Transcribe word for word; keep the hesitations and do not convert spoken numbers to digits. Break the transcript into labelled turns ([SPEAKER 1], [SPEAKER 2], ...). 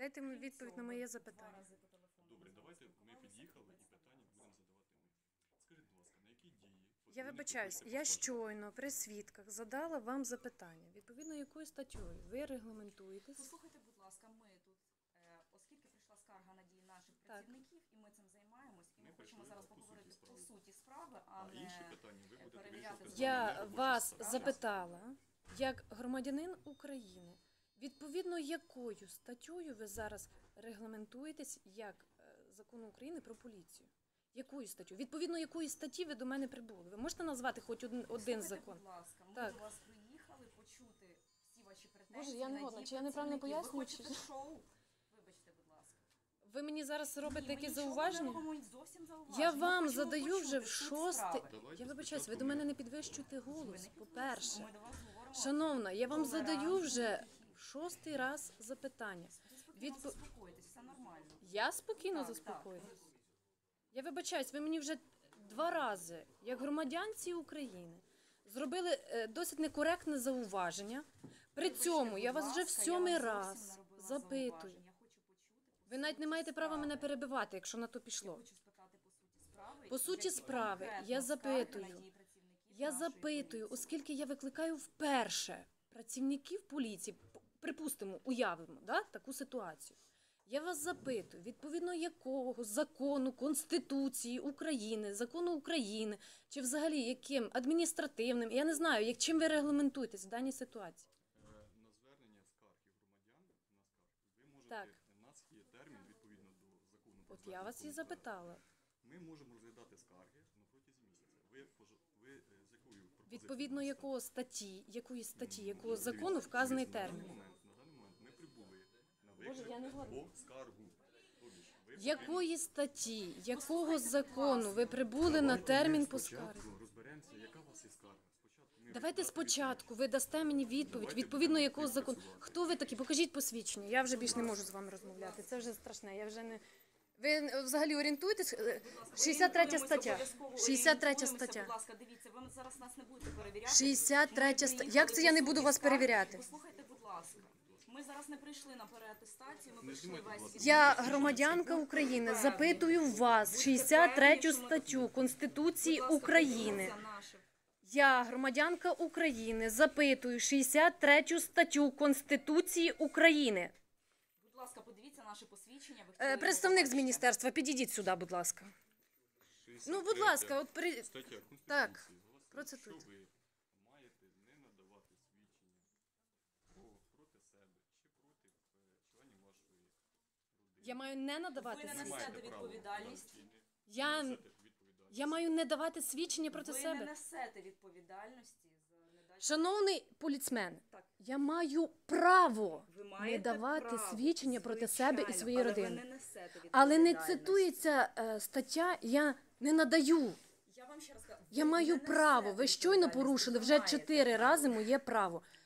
[SPEAKER 1] Дайте мені відповідь на моє запитання.
[SPEAKER 2] Добре, давайте ми під'їхали і питання будемо задавати ми. Скажіть, будь ласка, на які дії...
[SPEAKER 1] Я вибачаюсь, я щойно при свідках задала вам запитання. Відповідно, якою статтею ви регламентуєтесь?
[SPEAKER 3] Послухайте, будь ласка, ми тут, е, оскільки прийшла скарга на дії наших
[SPEAKER 1] Так.
[SPEAKER 3] працівників, і ми цим займаємось, і ми,
[SPEAKER 2] Ми
[SPEAKER 3] хочемо
[SPEAKER 2] прийшли
[SPEAKER 3] зараз
[SPEAKER 2] по
[SPEAKER 3] поговорити
[SPEAKER 2] суті
[SPEAKER 3] по
[SPEAKER 2] справи.
[SPEAKER 3] суті справи, а,
[SPEAKER 2] А
[SPEAKER 3] не
[SPEAKER 2] інші питання ви будете
[SPEAKER 3] перевіряти
[SPEAKER 2] вирішувати.
[SPEAKER 3] закони.
[SPEAKER 1] Я
[SPEAKER 2] робочі
[SPEAKER 1] вас
[SPEAKER 2] справи.
[SPEAKER 1] запитала, як громадянин України, відповідно якою статтею ви зараз регламентуєтесь як е, закону України про поліцію? Якою статтю? Відповідно якої статті ви до мене прибули? Ви можете назвати хоч один, один
[SPEAKER 3] Послухайте,
[SPEAKER 1] закон?
[SPEAKER 3] будь ласка, ми
[SPEAKER 1] Так.
[SPEAKER 3] до вас приїхали почути всі ваші претензії.
[SPEAKER 1] Боже, я не
[SPEAKER 3] на
[SPEAKER 1] годна.
[SPEAKER 3] дії
[SPEAKER 1] Чи я неправильно
[SPEAKER 3] працівників.
[SPEAKER 1] пояснюю,
[SPEAKER 3] Ви
[SPEAKER 1] чи-
[SPEAKER 3] хочете шоу? Вибачте, будь ласка.
[SPEAKER 1] Ви мені зараз робите
[SPEAKER 3] Ні, ми
[SPEAKER 1] якісь
[SPEAKER 3] нічого
[SPEAKER 1] зауваження?
[SPEAKER 3] не робимо, зовсім зауваження.
[SPEAKER 1] Я
[SPEAKER 3] Ми
[SPEAKER 1] вам
[SPEAKER 3] хочемо
[SPEAKER 1] задаю
[SPEAKER 3] почути
[SPEAKER 1] вже в
[SPEAKER 3] суть
[SPEAKER 1] шостий.
[SPEAKER 3] справи.
[SPEAKER 2] Давайте
[SPEAKER 1] Я вибачаюсь, ви
[SPEAKER 2] спочатку
[SPEAKER 1] до мене
[SPEAKER 2] ми-
[SPEAKER 1] не підвищуйте
[SPEAKER 3] Ви
[SPEAKER 1] голос,
[SPEAKER 3] не
[SPEAKER 1] по-перше.
[SPEAKER 3] Ми до вас говоримо.
[SPEAKER 1] Шановна, я вам задаю
[SPEAKER 3] толерантно,
[SPEAKER 1] вже
[SPEAKER 3] тихі.
[SPEAKER 1] в шостий раз запитання.
[SPEAKER 3] Ви спокійно
[SPEAKER 1] Відпо-
[SPEAKER 3] заспокойтесь, все нормально.
[SPEAKER 1] Я спокійно
[SPEAKER 3] Так,
[SPEAKER 1] заспокоююсь. Я вибачаюсь, ви мені вже два рази, як громадянці України, зробили е, досить некоректне зауваження. При
[SPEAKER 3] Вибачте,
[SPEAKER 1] цьому я
[SPEAKER 3] будь
[SPEAKER 1] вас вже в
[SPEAKER 3] ласка,
[SPEAKER 1] сьомий
[SPEAKER 3] я вам зовсім
[SPEAKER 1] раз
[SPEAKER 3] не робила
[SPEAKER 1] запитую.
[SPEAKER 3] зауважень. Я хочу почути по
[SPEAKER 1] Ви навіть не
[SPEAKER 3] суті
[SPEAKER 1] маєте права мене
[SPEAKER 3] справи.
[SPEAKER 1] перебивати, якщо на то
[SPEAKER 3] Я
[SPEAKER 1] пішло.
[SPEAKER 3] хочу спитати по суті справи.
[SPEAKER 1] По суті
[SPEAKER 3] які
[SPEAKER 1] справи,
[SPEAKER 3] конкретно
[SPEAKER 1] я
[SPEAKER 3] скарги на
[SPEAKER 1] запитую.
[SPEAKER 3] дії працівників
[SPEAKER 1] Я
[SPEAKER 3] нашої
[SPEAKER 1] запитую,
[SPEAKER 3] поліції.
[SPEAKER 1] оскільки я викликаю вперше працівників поліції, п- припустимо, уявимо да, таку ситуацію. Я вас запитую, відповідно якого закону, Конституції України, закону України, чи взагалі яким адміністративним, я не знаю, як, чим ви регламентуєтесь в даній ситуації.
[SPEAKER 2] Е, На звернення скарги громадян на скарги ви можете,
[SPEAKER 1] Так.
[SPEAKER 2] у нас є термін відповідно до закону про
[SPEAKER 1] От я
[SPEAKER 2] звернення
[SPEAKER 1] вас і
[SPEAKER 2] до
[SPEAKER 1] запитала.
[SPEAKER 2] Ми можемо розглядати скарги на протязі місяця. Ви, пож- ви е, з якою пропозицією?
[SPEAKER 1] Відповідно
[SPEAKER 2] вносите?
[SPEAKER 1] якого статті, якої статті,
[SPEAKER 2] Ну,
[SPEAKER 1] якого
[SPEAKER 2] дивіться,
[SPEAKER 1] закону вказаний
[SPEAKER 2] дивіться,
[SPEAKER 1] термін.
[SPEAKER 2] На даний момент, на даний момент ми прибули на
[SPEAKER 1] Боже,
[SPEAKER 2] виклик
[SPEAKER 1] я не годна.
[SPEAKER 2] по скаргу. Тобто ж ви
[SPEAKER 1] Якої статті, якого
[SPEAKER 3] Послухайте, будь
[SPEAKER 1] закону
[SPEAKER 3] ласка.
[SPEAKER 1] ви прибули на
[SPEAKER 2] Давайте
[SPEAKER 1] термін
[SPEAKER 2] ми
[SPEAKER 1] по
[SPEAKER 2] спочатку
[SPEAKER 1] скарзі?
[SPEAKER 2] розберемося, яка у вас є скарга. Спочатку ми
[SPEAKER 1] Давайте
[SPEAKER 2] розглядати
[SPEAKER 1] спочатку ви дасте мені відповідь,
[SPEAKER 2] Давайте
[SPEAKER 1] відповідно
[SPEAKER 2] будемо
[SPEAKER 1] якого закону.
[SPEAKER 2] співпрацювати.
[SPEAKER 1] Хто ви такі? Покажіть посвідчення. Я вже більш не можу з вами розмовляти. Це вже страшне. Я вже не. Ви е, взагалі орієнтуєтесь? Е, шістдесят третя
[SPEAKER 3] Орієнтуємося,
[SPEAKER 1] стаття.
[SPEAKER 3] обов'язково
[SPEAKER 1] шістдесят третя
[SPEAKER 3] орієнтуємося.
[SPEAKER 1] стаття.
[SPEAKER 3] Будь ласка, дивіться, ви зараз нас не будете перевіряти.
[SPEAKER 1] шістдесят третя
[SPEAKER 3] Ми
[SPEAKER 1] стаття.
[SPEAKER 3] приїхали
[SPEAKER 1] Як це я не
[SPEAKER 3] по
[SPEAKER 1] буду
[SPEAKER 3] суті
[SPEAKER 1] вас
[SPEAKER 3] скарги.
[SPEAKER 1] перевіряти?
[SPEAKER 3] Послухайте, будь ласка. Ми зараз не прийшли на переатестацію, ми
[SPEAKER 2] Не
[SPEAKER 3] прийшли
[SPEAKER 2] знімайте,
[SPEAKER 3] весь
[SPEAKER 2] будь ласка.
[SPEAKER 3] світ.
[SPEAKER 1] Я громадянка України. Запитую вас шістдесят третю статтю Конституції
[SPEAKER 3] Будь ласка,
[SPEAKER 1] України.
[SPEAKER 3] подивіться наше.
[SPEAKER 1] Я громадянка України. Запитую шістдесят третю статтю Конституції України.
[SPEAKER 3] Будь ласка, подивіться наше посвідчення. Ви
[SPEAKER 1] Е,
[SPEAKER 3] хотіли
[SPEAKER 1] Представник
[SPEAKER 3] його
[SPEAKER 1] з
[SPEAKER 3] побачити.
[SPEAKER 1] міністерства, підійдіть сюди, будь ласка.
[SPEAKER 2] шістдесят
[SPEAKER 1] Ну, будь
[SPEAKER 2] третя
[SPEAKER 1] ласка, от при...
[SPEAKER 2] стаття Конституції
[SPEAKER 1] Так,
[SPEAKER 2] гласить,
[SPEAKER 1] процитуйте.
[SPEAKER 2] що ви маєте не надавати свідчення про, проти себе чи проти е, членів вашої родини.
[SPEAKER 1] Я маю не надавати
[SPEAKER 3] Ви не
[SPEAKER 2] Не
[SPEAKER 1] свідчення.
[SPEAKER 3] несете
[SPEAKER 2] маєте права
[SPEAKER 3] відповідальність.
[SPEAKER 2] надати, не
[SPEAKER 1] Я,
[SPEAKER 2] несете відповідальність.
[SPEAKER 1] я маю не давати свідчення проти
[SPEAKER 3] Ви не
[SPEAKER 1] себе.
[SPEAKER 3] несете відповідальності за недачу.
[SPEAKER 1] Шановний поліцмен,
[SPEAKER 3] Так.
[SPEAKER 1] я маю право
[SPEAKER 3] Ви
[SPEAKER 1] не
[SPEAKER 3] маєте
[SPEAKER 1] давати
[SPEAKER 3] право,
[SPEAKER 1] свідчення проти себе і
[SPEAKER 3] звичайно,
[SPEAKER 1] своєї
[SPEAKER 3] але
[SPEAKER 1] родини.
[SPEAKER 3] Ви не несете
[SPEAKER 1] Але не
[SPEAKER 3] відповідальності.
[SPEAKER 1] цитується е, стаття «я не надаю».
[SPEAKER 3] Я вам ще раз кажу,
[SPEAKER 1] Я
[SPEAKER 3] ви
[SPEAKER 1] маю
[SPEAKER 3] не
[SPEAKER 1] право.
[SPEAKER 3] несете
[SPEAKER 1] Ви щойно
[SPEAKER 3] відповідальності,
[SPEAKER 1] порушили
[SPEAKER 3] ви
[SPEAKER 1] вже
[SPEAKER 3] маєте
[SPEAKER 1] чотири
[SPEAKER 3] право.
[SPEAKER 1] рази моє право.